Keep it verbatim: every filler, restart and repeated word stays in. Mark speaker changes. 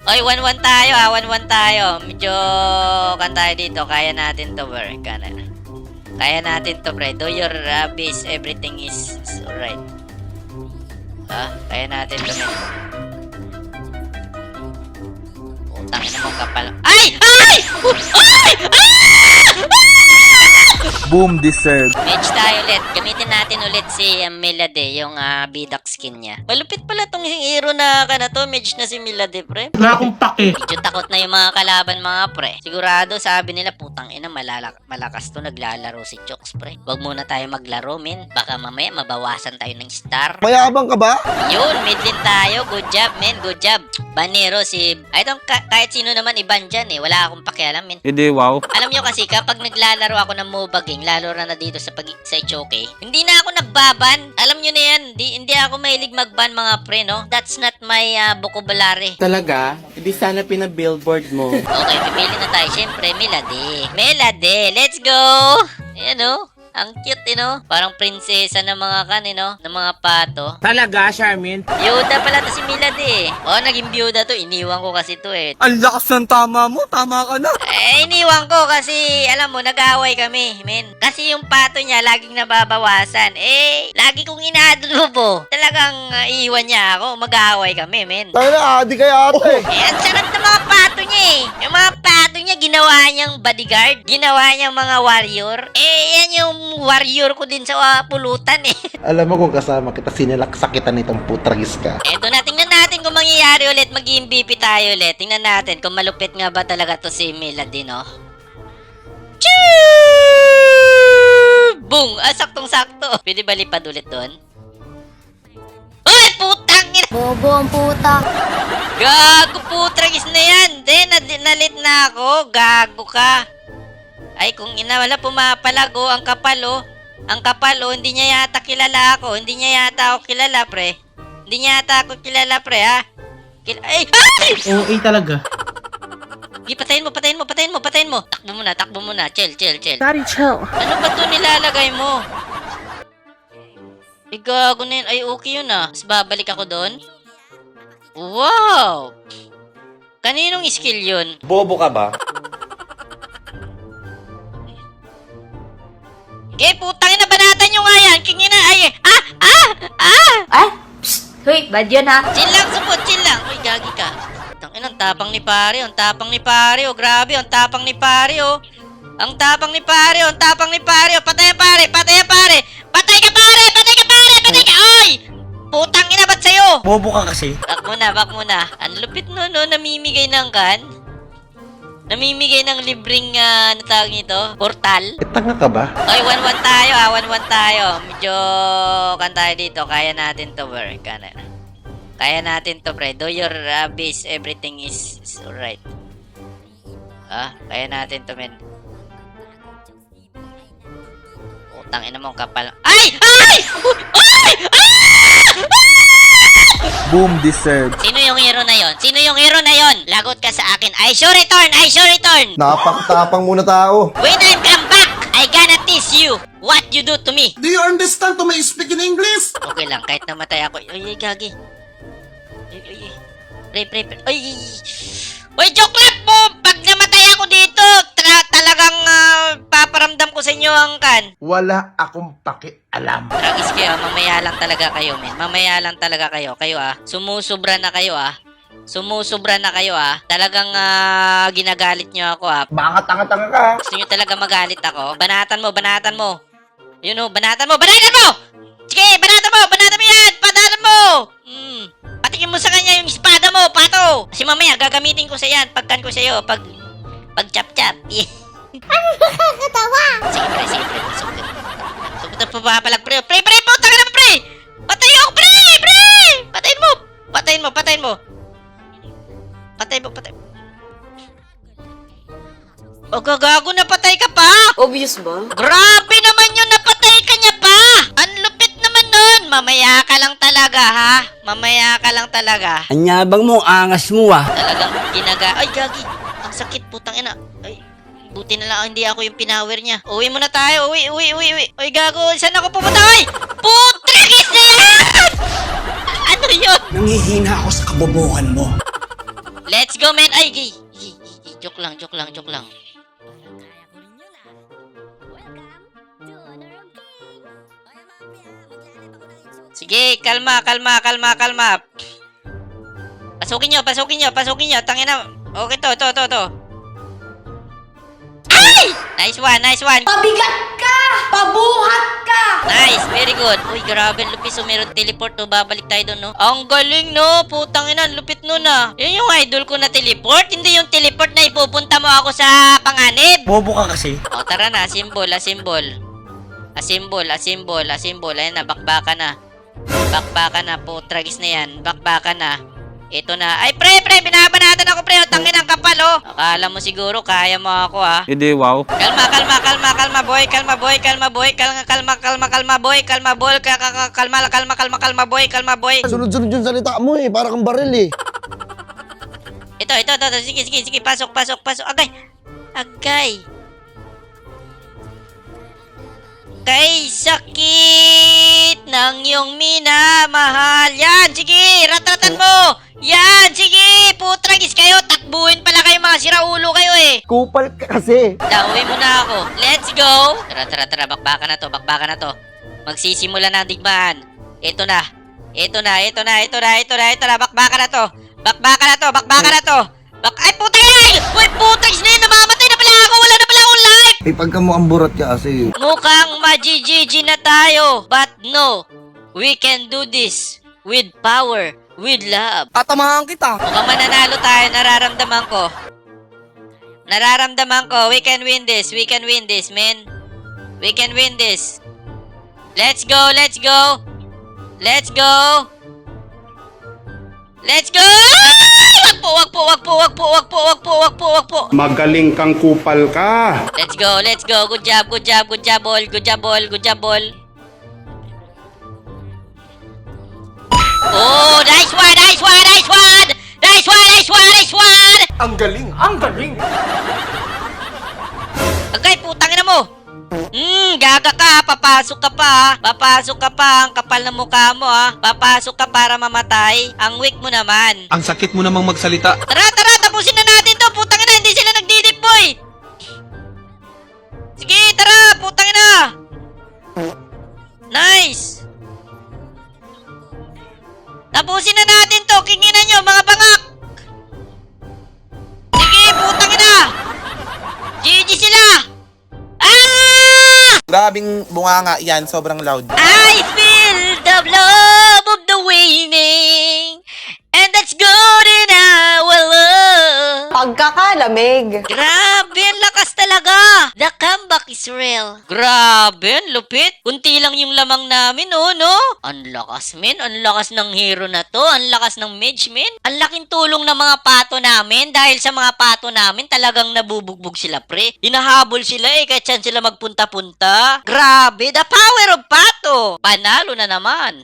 Speaker 1: Oy, one one tayo ah, one one tayo. Medyo kan tayo dito, kaya natin to, bro. Kanan. Kaya natin to, pre. Do your uh, best, everything is, is alright. Ah, kaya natin to, men. Utang ina mo kapal. Ay! Ay! Ay! Ah!
Speaker 2: Boom deserve.
Speaker 1: Mage tayo ulit. Gamitin natin ulit si um, Melade, yung uh, bidak skin niya. Malupit pala tong hero na ka na to. Mage na si Melade, pre.
Speaker 3: Wala akong pake.
Speaker 1: Medyo takot na yung mga kalaban, mga pre. Sigurado, sabi nila, putang ina, malala- malakas to, naglalaro si Chokes, pre. Wag muna tayo maglaro, men. Baka mamaya mabawasan tayo ng star.
Speaker 2: Mayabang ka ba?
Speaker 1: Yun, mid lane tayo. Good job, men. Good job. Banero si... Ay, itong ka- kahit sino naman iban dyan, eh. Wala akong pakialam, men.
Speaker 2: Hindi, wow.
Speaker 1: Alam nyo kasi, kapag naglalaro ako ng MOBA game, lalo na na dito sa, pag sa Ichoke, hindi na ako nagbaban. Alam nyo na yan, hindi, hindi ako mahilig magban, mga pre, no? That's not my uh, vocabulary.
Speaker 4: Talaga? Hindi sana pinabillboard mo.
Speaker 1: Okay, pipili na tayo. Siyempre, Melade. Melade, let's go! Ayan, oh. Ang cute, eh, no? Parang prinsesa ng mga kan, eh, no? Ng mga pato.
Speaker 4: Talaga, Charmin?
Speaker 1: Byuda pala to si Melade, eh. Oh, naging byuda to. Iniwan ko kasi to, eh.
Speaker 2: Ang lakas ng tama mo. Tama ka na.
Speaker 1: Eh, iniwan ko kasi, alam mo, nag-aaway kami, men. Kasi yung pato niya, laging nababawasan. Eh, lagi kong inaadlubo. Talagang uh, iiwan niya ako. Mag-aaway kami, men.
Speaker 2: Tayo na, adi kaya ate.
Speaker 1: Eh, ang sarap ng mga pato niya, eh. Yung mga pato niya, ginawa niyang bodyguard. Ginawa niyang mga warrior. Eh, yan yung warrior ko din sa uh, pulutan, eh.
Speaker 5: Alam mo kung kasama kita, sinilaksakitan nitong putragis ka.
Speaker 1: Eto na, tingnan natin kung mangyayari ulit. Mag-M V P tayo ulit. Tingnan natin kung malupit nga ba talaga to si Melade, no? Choo! Boom! Ah, saktong-sakto. Pwede ba lipad ulit doon? Uy, putang ina!
Speaker 6: Bobo ang puta.
Speaker 1: Gago, putragis na yan. De, nad- nalit na ako. Gago ka. Ay, kung ina, wala pumapalago. Ang kapal, oh. Ang kapal, oh. Hindi niya yata kilala ako. Hindi niya yata ako kilala, pre. Hindi niya yata ako kilala, pre, ha? Kil- Ay! Ay!
Speaker 3: O A talaga.
Speaker 1: Di, patayin mo, patayin mo, patayin mo, patayin mo. Takbo muna, takbo muna. Chill, chill, chill.
Speaker 6: Daddy, chill.
Speaker 1: Ano ba to nilalagay mo? Ay, gago na yun. Ay, okay yun, ah. Mas babalik ako doon. Wow! Kaninong skill yun?
Speaker 4: Bobo ka ba?
Speaker 1: Eh, putang ina, banatan nyo nga yan. Kingin na, ay, ah, ah, ah!
Speaker 6: Ay, psst. Hoy, bad yun ha.
Speaker 1: Chill lang, supot, chill lang. Uy, gagi ka. Tang ina, ang tapang ni pare, ang tapang ni pare, oh. Grabe, ang tapang ni pare, oh. Ang tapang ni pare, oh. Ang tapang ni pare, oh. Patay ang pare, patay ang pare. Patay ka, pare, patay ka, pare, patay ka. Oy! Putang ina, ba't sa'yo?
Speaker 3: Bobo ka kasi.
Speaker 1: Back muna, back muna. Ang lupit no, no, namimigay ng kan. Namimigay ng libreng, uh, ano tawag nito? Portal.
Speaker 5: E, tanga ka ba?
Speaker 1: Oy, one one tayo ah, one one tayo. Medyo kan tayo dito, kaya natin to, bro. Kana. Kaya natin to, pre. Do your uh, best, everything is, is alright. Ah, kaya natin to, men. Utang ina mo kapal. Ay! Ay! Ay!
Speaker 2: Boom deserve.
Speaker 1: Sino yung hero na yon? Sino yung hero na yon? Lagot ka sa akin. I sure return! I sure return!
Speaker 5: Napakatapang muna tao.
Speaker 1: When I come back, I gonna teach you what you do to me.
Speaker 7: Do you understand to my speak in English?
Speaker 1: Okay lang, kahit namatay ako. Ay, ay, gagi. Ay, ay, ay. Pre, pre, pre. Ay, ay. Uy, joke lang po! Pag namatay ako dito, tra- talagang uh, paparamdam ko sa inyo ang kan.
Speaker 5: Wala akong pakialam.
Speaker 1: Tragis kayo, mamaya lang talaga kayo, men. Mamaya lang talaga kayo. Kayo ah, sumusubra na kayo ah. Sumusubra na kayo ah. Talagang uh, ginagalit nyo ako ah.
Speaker 5: Baka tanga-tanga ka.
Speaker 1: Gusto nyo talaga magalit ako? Banatan mo, banatan mo. Yun o, banatan mo, banatan mo! Sige, banatan mo, banatan mo yan! Banatan mo! Hmm. Patikin mo sa kanya yung espada mo, pato! Kasi mamaya, gagamitin ko sa yan. Pagkan ko sa'yo, pag... Pag chap-chap. Yeah.
Speaker 6: Ano nakakatawa?
Speaker 1: Sige, pre, sige, pre. Sugod. Sugod na papapalag, pre. Pre, pre, puta ka na, pre! Patay ako, pre! Pre! Patayin mo! Patayin mo, patayin mo. Patay mo, patay mo. O, gagago, napatay ka pa!
Speaker 6: Obvious ba?
Speaker 1: Grabe naman yun, napatay ka niya pa! Ang lupit naman nun! Mamaya ka lang talaga, ha? Mamaya ka lang talaga.
Speaker 4: Anyabang mo, angas mo ah.
Speaker 1: Talagang ginaga... Ay, gagi! Ang sakit, putang ina. Ay, buti na lang hindi ako yung pinower niya. Uwi muna tayo, uwi, uwi, uwi, uwi. Uy, gago, saan ako pupunta? Uy! Putragis na yan! Ano yun?
Speaker 4: Nangihina ako sa kabobohan mo.
Speaker 1: Let's go, man. Ay, gay. Gay, gay, gay. Joke lang, joke lang, joke lang. Sige, kalma, kalma, kalma, kalma. Pasukin nyo, pasukin nyo, pasukin nyo. Tangin na. Okay to, to, to, to. Ay! Nice one, nice one.
Speaker 6: Pabigat ka! Pabuhat ka!
Speaker 1: Nice, very good. Uy, grabe, lupit. So, meron teleport, no? Babalik tayo doon, no? Ang galing, no? Putang ina, lupit nun, ah. Yan yung idol ko na teleport. Hindi yung teleport na ipupunta mo ako sa panganib.
Speaker 2: Bobo ka kasi.
Speaker 1: O, tara na. Symbol, a symbol. A symbol, a symbol, a symbol. Ayan na, bakbaka na. Bakbaka na po. Tragis na yan. Bakbaka na. Ito na. Ay, pre, pre, binabanatan ako, pre. O, tangin ang kapal, oh. Akala mo siguro, kaya mo ako, ah.
Speaker 2: Hindi, wow.
Speaker 1: Kalma, kalma, kalma, kalma, boy. Kalma, boy. Kalma, boy. Kalma, kalma, kalma, kalma, boy. Kalma, boy. Ka- ka- ka- Kalma, kalma, kalma, kalma, boy. Kalma, boy.
Speaker 7: Sunod-sunod yung salita mo eh, para kang baril eh.
Speaker 1: Ito, ito, ito, ito. Sige, sige, sige. Pasok, pasok, pasok. Agay. Agay. Kay sakit ng iyong minamahal. Yan, sige. Ratratan mo. Yan, sige. Putragis kayo. Takbuhin pala kayo, mga siraulo kayo eh.
Speaker 7: Kupal ka kasi.
Speaker 1: Dauwi mo na ako. Let's go. Tara, tara, tara. Bakbaka na to, bakbaka na to. Magsisimula na ang digmaan. Ito na. Ito na, ito na, ito na, ito na, ito na. Bakbaka na to. Bakbaka na to, bakbaka na to. Bak Ay, putay! Uy, putagis na yun. Namamatay na pala ako. Wala na pala akong life.
Speaker 7: Eh, pagka mo ang burat ka kasi.
Speaker 1: Mukhang ma-G G na tayo. But no, we can do this with power, with love.
Speaker 2: Tatamahan kita.
Speaker 1: Mukhang mananalo tayo, nararamdaman ko. Nararamdaman ko, we can win this, we can win this, man. We can win this. Let's go, let's go. Let's go. Let's go! Wag po, wag po, wag po, wag po, wag po, wag po, wag po, wag po.
Speaker 3: Magaling kang kupal ka.
Speaker 1: Let's go, let's go. Good job, good job, good job, ball. Good job, ball, good job, ball. Oh, nice one, nice one, nice one! Nice one, nice one, nice one!
Speaker 2: Ang galing, ang galing.
Speaker 1: Agay, putang ina mo! Hmm, gaga ka, papasok ka pa, ha? Papasok ka pa, ang kapal ng mukha mo, ha? Papasok ka para mamatay. Ang weak mo naman.
Speaker 2: Ang sakit mo namang magsalita.
Speaker 1: Tara, tara, tapusin na natin to, putang ina, hindi sila nagdidip, boy! Sige, tara, putang ina! Nice! Tapusin na natin to, kinginan nyo, mga bangak! Sige, putang ina! G G sila! Ah!
Speaker 8: Grabing bunganga yan, sobrang loud.
Speaker 1: I feel the love of the winning, and that's good in our love.
Speaker 6: Pagkakalamig.
Speaker 1: Grabe, ang lakas talaga. The comeback is real. Grabe, ang lupit. Kunti lang yung lamang namin, oh, no? Ang lakas, men. Ang lakas ng hero na to. Ang lakas ng mage, men. Ang laking tulong ng mga pato namin. Dahil sa mga pato namin, talagang nabubugbog sila, pre. Hinahabol sila eh, kahit saan sila magpunta-punta. Grabe, the power of pato. Panalo na naman.